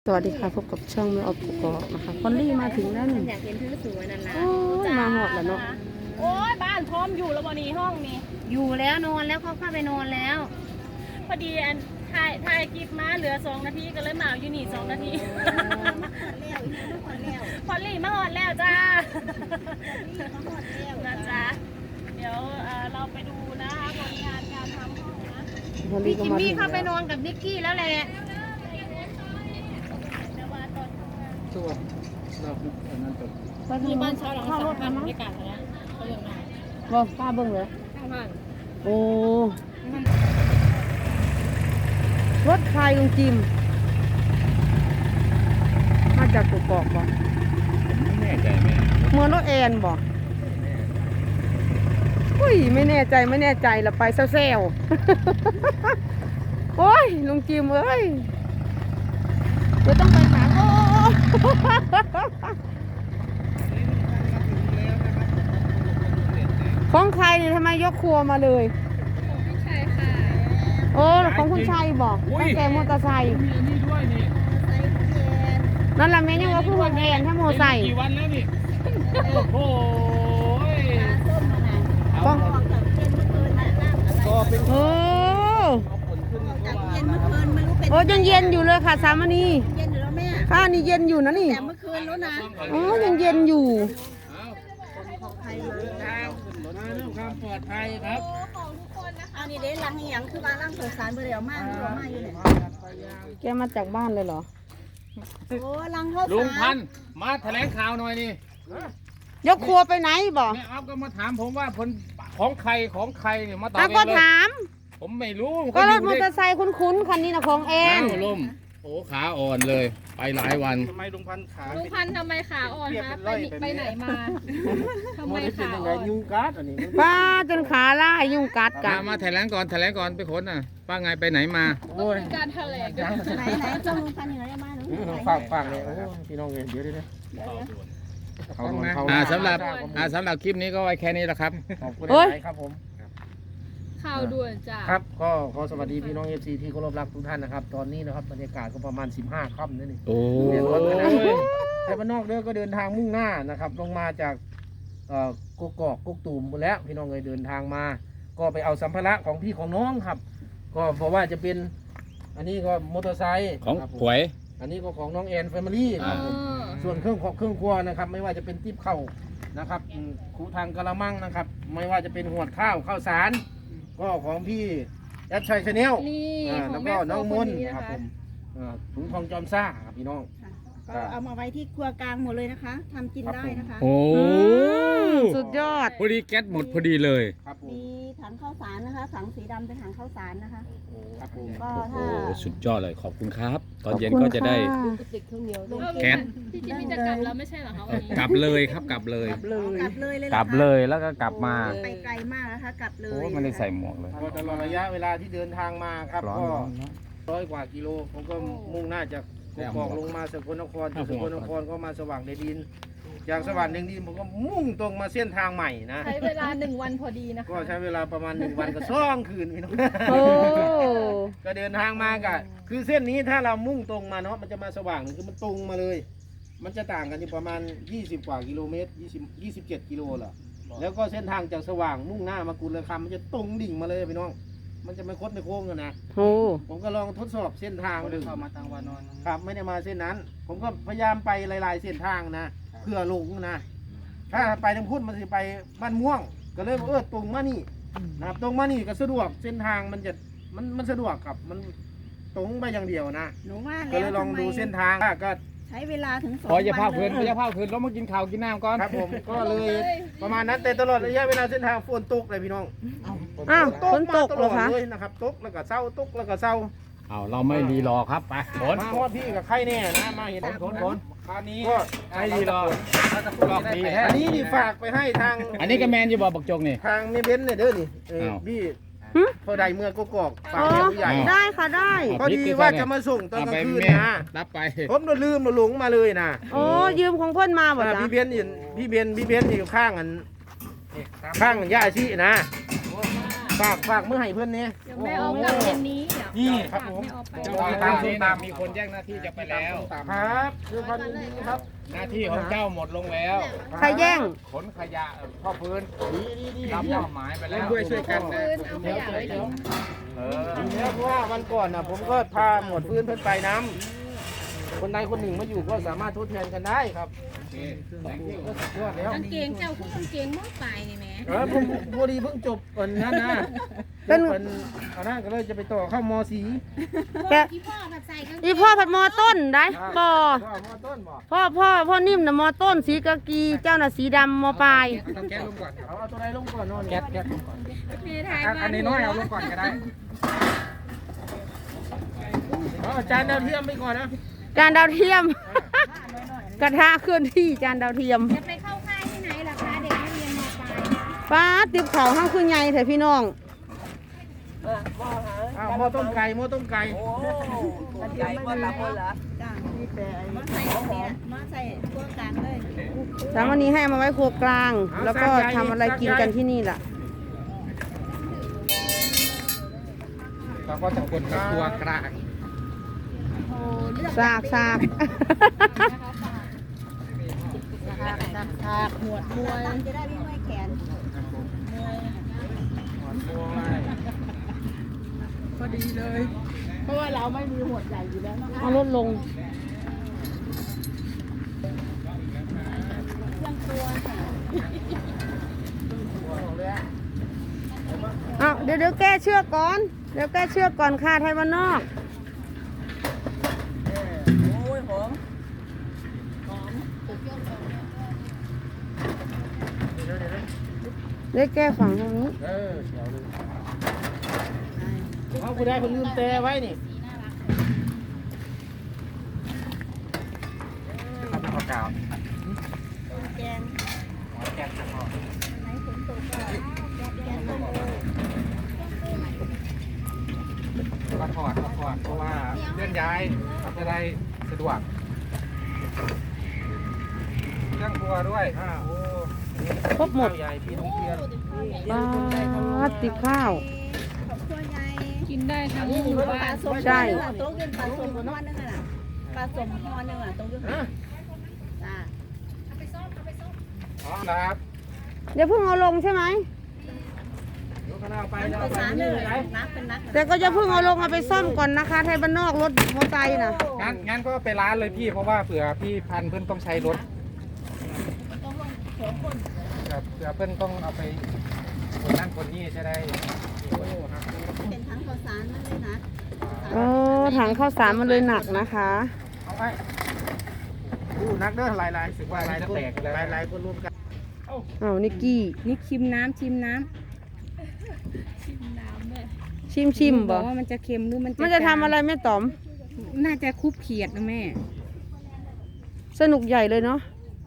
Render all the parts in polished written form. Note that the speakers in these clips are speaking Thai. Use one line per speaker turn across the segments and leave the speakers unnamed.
วัสดีค่ะพบกับช่องแม่ออฟกอกนะคะคอนลี่มาถึงแล้วนี่
อยากเห็นเธอสวยนั่นล่ะ
โอ้ยมาหอดแล้วเนาะ
โอ้ยบ้านพร้อมอยู่แล้ววันนี้ห้องนี้
อยู่แล้วนอนแล้วเขาเข้าไปนอนแล้ว
พอดีอันถ่ายคลิปมาเหลือ2 นาทีก็เลยมาอยู่นี่2 นาทีพอลลี่มาหอดแล้วจ้านะจ๊ะเดี๋ยวเราไปดูนะคะผลงานการทำห้องนะ
คอนลี่
พี่
ก็
จิม
มาถึ
มี่
ง
เข้าไปน
แล้ว
อนกับนิกกี้แล้วแหละ
ตัวเราคืออันนั้นตัว
ที่บ้านเช่าหลัง3,000บรรยากาศนะเขาอย่างไร
บอกป้าเบิ้งเลย
ข้างบ้าน
โอ้รถใครลุงจิมมาจากกุกอกบ่
ไม่แน่ใจไหม
เหมือนรถแอนบ่อุ้ยไม่แน่ใจละไปเซลโอ้ยลุงจิมเอ้ยเดี๋ยวต้องไปถามโอ้ ของใครเนี่ยทำไมยกครัวมาเลย
พี่ชัยค่ะ
โอ้ของคุณชัยบอกตั้งแต่มอเตอร์ไซค์
มีอันนี้ด้วยนี่
นั่นแหละแม่ยังว่าคือคนแอนถ้ามอเตอร์ไซค์
กี่วันแล้วนี่โอ้โห
ป้อง
ก็เป็น
โอ้
ผลขึ้นเพราะว่า
เย็นเมื่อคืนไม่รู้เป็น
โอ้ยังเย็นอยู่เลยค่ะสามณี
เย็นอยู่แล้วแม่
ข้านี่เย็นอยู่นะนี่
แต่เมื่อคืนแล้วนะ
อ๋อยังเย็นอยู่
ใครอยู่
ทางขึ้นรถมาเรื่องความปลอดภัยครับ
เอานี่เด้ลังอีหยังคือว่าลังเปิดสารเบอร์เดียวมากเบอร์มากอยู่เนี่ย
แกมาจากบ้านเลยเหรอ
โอ้ลังเข้า
ลุง
สา
พั
ร
นธุ์มาแถลงข่าวหน่อยนี่
ยกครัวไปไหนบอก
แม่อัพก็มาถามผมว่าผลของใครเนี่ยมาตอบ
อ้าว
เอง
ก็
เลย
ถาม
ผมไม่รู้
ก็รถมอเตอร์ไซค์คุ้นๆคันนี้นะของแอ
อ้าน วลมโอ้ขาอ่อนเลย ไปหลายวัน
ทำไมลุงพันธุ์ขา
ลุงพันธุ์ทำไมขาอ่อนคะไปไหนมาทำไมขา
ยัง
อ่
ไง
อน
ยุงกัดอันนี้
ป้าจนขาล่ายยุ่งกัดกั
มาน แถลงก่อนไปค้นน่ะป้าไงไปไหนมา
ต้องมีการแถลงด้วย
ไหนเจ้าลุงพันอยู่ไหนมาหนู
ฝากเลยโอ้พี่น้องเองเดี๋ยวเขาโดนเขา
สำหรับคลิปนี้ก็ไว้แค่นี้แหละครับ
ขอบคุณ
โอ้ย
หลายครับผม
ข่าวด่วนจ้า
ครับก็ขอสวัสดีพี่น้องเอฟซีที่เคารพรักทุกท่านนะครับ ตอนนี้นะครับบรรยากาศก็ประมาณ15 ค่ำนั่นเอง
โอ้
เดี๋ยวรถนะ
ย
แต่บ้านนอกเด้อก็เดินทางมุ่งหน้านะครับลงมาจากกกอกกกตูมหมดแล้วพี่น้องเลยเดินทางมา ก็ไปเอาสัมภาระของพี่ของน้องครับ ก็เพราะว่าจะเป็นอันนี้ก็มอเตอร์ไซค์
ของ
ครับ
หวย
อันนี้ก็ของน้องแอนแฟมิลี่ครับผม ส่วนเครื่องครัวนะครับ ไม่ว่าจะเป็นติ๊บข้าวนะครับคูทางกะละมังนะครับ ไม่ว่าจะเป็นหวดข้าวสาร ก็ของพี่แอดชัยชาแนล
นี่ข
แล้
อง
ว
แม่
ก็
โฟ
น้องม
คน
น
นี้นะ
ครับผ
คะ
มถุงทองจอมซ่าครับพี่น้อง
ก็เอามาไว้ที่ครัวกลางหมดเลยนะคะทำกินได้นะคะ
โอ้
สุดยอด
พอดีแก๊สหมดพอดีเลย
ครับผม
มีถังข้าวสารนะคะถังสีดำเป็นถังข้าวสารนะคะ
ครับผม
ก็
โอ้
ถ้า
สุดยอดเลยขอบคุณครับ ตอนเย็นก็จะได้ แก๊ส
พี่จิมมี่จะกลับแล้วไม่ใช่เหรอคะวันนี้
กลับเลยครับกลับเลย
กลับเลยเลย
กลับเลยแล้วก็กลับมา
ไปไกลมากนะคะกลับเลย
โอ้ไม่ได้ใส่หมวกเลย
ก็ตลอดระยะเวลาที่เดินทางมาครับ
ร้อน
ก็
ร้อน
100 กว่ากิโลผมก็มุ่งหน้าจากกกอกลงมาสกลนครจากสกลนครก็มาสว่างแดนดิน จากสว่างแดนดินผมก็มุ่งตรงมาเส้นทางใหม่นะ
ใช้เวลา1 วันพอดีนะคะ
ก็ใช้เวลาประมาณ1 วันกับ2 คืนพี่น้อง
โอ้
ก็เดินทางมาก็คือเส้นนี้ถ้าเรามุ่งตรงมาเนาะมันจะมาสว่างคือมันตรงมาเลย มันจะต่างกันอยู่ประมาณ20 กว่ากิโลเมตร27 กิโลแหละแล้วก็เส้นทางจากสว่างมุ่งหน้ามากุลคำมันจะตรงดิ่งมาเลยพี่น้อง มันจะไม่คดไม่โค้งกันนะ
โอ้
ผมก็ลองทดสอบเส้นทางไม่ดู ได้เข้ามาทางวานอนครับไม่ได้มาเส้นนั้น ผมก็พยายามไปหลายๆเส้นทางนะเพื่อหลงนะ ถ้าไปทางพุทธมันจะไปบ้านม่วง ก็เลยบอกตรงมานี่นะครับตรงมานี่ก็สะดวกเส้นทางมันจะมันสะดวกครับมันตรงไปอย่างเดียวนะ
หนูว่า
ก็
แล้ว
เลยลอง
ทำไม
ดูเส้นทางก็
ใช้เวลาถึง2
พออย่าพา
วัน
เพลิน
เลย
อย่าพาเพลินแล้วมากินข้าวกินน้ำก่อน
ครับผมก็เลยประมาณนั้นแต่ตลอดระยะเวลาเส้นทางฝนตกเลยพี่น้อง
อ้าวฝนตก
มา
เหรอคะ
เลยนะครับตกแล้วก็เศร้าตกแล้วก็เศร้า
เอาเราไม่รีรอครับไปขน
มาฮอดพี่กับใครแน่นะมาเห็น
ขนคราวนี้
ก็
ไม่รีรอรอบดีแท้
อันนี้นี่ฝากไปให้ทาง
อันนี้ก็แมนอยู่บ่บักจกนี่
ทางเมเบนเนี่ยเด้อนี่
อ้าว
พี่พอใดเมื่อกกอกฝาก
อ๋อ
ให้ผู้ใหญ่
ได้ค่ะได้
พอดีว่าจะมาส่งตอนกลางคืนนะ
รับไป
ผมลืมหลงมาเลยนะ
โอ้ยืมของเพื่อนมาบ่จ๊ะ
พี่เบนอยู่พี่เบนอยู่ข้างอันย่าชีนะฝากเมื่อให้เพื่อนเนี่ย
เดี๋ยวแม่ออกกลับเย็นนี้เดี๋ยว
นี่
ครับผม
เจ้าตามส้มตามมีคนแย่งหน้าที่จะไปแล้ว
ครับคือพันธุ์นี้ครับ
หน้าที่ของเจ้าหมดลงแล้ว
ใครแย่ง
ขนขยะพ่อพื้น
ดี
รับมอบหมายไปแล้ว
ช่วยกันนะ
เอาขยะไว้ทิ้ง
เพราะว่าวันก่อนนะผมก็พาหมวดพื้นเพิ่นไปน้ำคนใดคนหนึ่งมาอยู่ก็สามารถทดแทนกันได้ครับก็สุดยอดแล้ว
กางเกงเจ้าคู่กางเกงมอปลายนี่แหม่
ผมพอดีเพิ่งจบนั้นนะ
เป็น
เป็นอันนั้นก็เลยจะไปต่อเข้ามสี
แก
พี่พ่อผัดใส่กางเกง
อีพ่อผัดมอต้นได้บ่
มอต้นบ่
พ่อนิ่มนะมอต้นสีกากีเจ้าน่ะสีดำมอปลาย
ต้องแก๊สลงก่อน
เอาตัวใดลงก่อนนอน
แก๊สลงก่อน
มีถ่ายบ้า
อันนี้น้อยเอาลงก่อนก็ได้
เอาจานดาวเทียมไปก่อนนะ
จานดาวเทียม กระทะเคลื่อนที่จานดาวเทียม
จะไปเข้าค่ายที่ไหนล่ะคะเด็กนักเรียนมปลาย
ป้าติบเขาห้างคือไงเถอะพี่น้อง
เอาหม้อต้มไก่หม้อต้มไก่
ใหญ่บ่ละบ่ละจ้ามีแต่มาใส่เนี่ยมาใส่ตัวกลางเลย
สามวันนี้ให้เอามาไว้ครัวกลาง แล้วก็ทำอะไรกินกันที่นี่ล่ะ
เราก็จะกดกับตัวกลาง
ซาก
ฉากหมวดมวยจะได้ไม่เมื่อยแขนมวย
พอดีเลย
เพราะว่าเราไม่มีหมวดใหญ่อยู่แล้วนะคะ
เอาลดลงเอาเดี๋ยวแก้เชือกก่อน เดี๋ยวแก้เชือกก่อนค่ะไทยวันนอก
โอ้ยหอม
เดี๋ยวแก้ฝั่งตรงนี้
เดี๋ยวเลยเอาผู้ใดเพิ่นลืมแต่ไว้นี่
ข้าวกาว
แกง
แก๊สจะพอ
ไหนฝนตกก็แกงมาเลย
มาถอดเพราะว่าเคลื่อนย้ายจะได้สะดวกเครื่องครัวด้วย
โอ้
ครบหมด
ข้าวใหญ่พี่น้องเพียร
ป้าติบข้าว
ขอบคุณยาย
กินได้ทั้งห
นี่
มู่
ป
บ้า
ลาน ส้ม
ใช่
โต๊ะเงินปลาส้มนอนนึงอ่ะปลาส้มนอนนึงอ่ะโต๊ะเงินจ้า
พร้อมนะครับ
เดี๋ยวเพิ่งเอาลงใช่ไหม
เดี๋ยวคณะเอาไป
มัน
แล้ว
ภา
เอาไป
ษา
นี่
เล
เลย ย
นักเป็นนัก
แต่ก็จะเพิ่งเอาลงเอาไปซ่อมก่อนนะคะไทยบ้านนอกรถมอไซค์นะ
งั้นก็ไปร้านเลยพี่เพราะว่าเผื่อพี่พันเพื่อนต้องใช้รถเผื่อเพื่อนต้องเอาไปคนนั่นคนนี้จะได้
เป็นทั้งภาษานั่นเลยนะ
ถังข้าวสารมันเลยหนักนะคะ
เอาไปดูนักเด้อหลายๆสึกว่าหลายคนหลายคนรวมกัน
เอานิกกี้
นี่ชิมน้ำ
ชิม
บ
บ่
อกว่ามันจะเค็มหรือมัน
มันจะทำอะไรแม่ต๋อม
น่าจะคุบเขียดนะแม่
สนุกใหญ่เลยเนาะ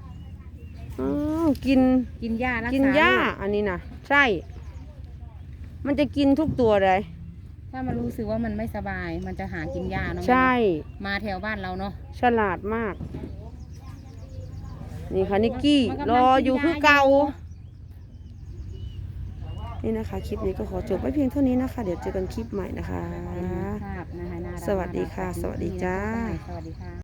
กิน
กินหญ้ารักษา
กินหญ้า
โรค
อันนี้นะใช่ มันจะกินทุกตัวเลย
ถ้ามันรู้สึกว่ามันไม่สบาย มันจะหากินหญ้าเนาะแม่
ใช่
มาแถวบ้านเราเนาะ
ฉลาดมาก นี่ค่ะนิกกี้
มันกำลัง
รออยู่คือเก่า
กินยาอยู่
นี่นะคะ คลิปนี้ก็ขอจบไว้เพียงเท่านี้นะคะ เดี๋ยวเจอกันคลิปใหม่นะคะ
ภาพนะคะน่ารัก
สวัสดีค่ะ
น่ารัก
สวัสดีจ้า
สวัสดีค่ะ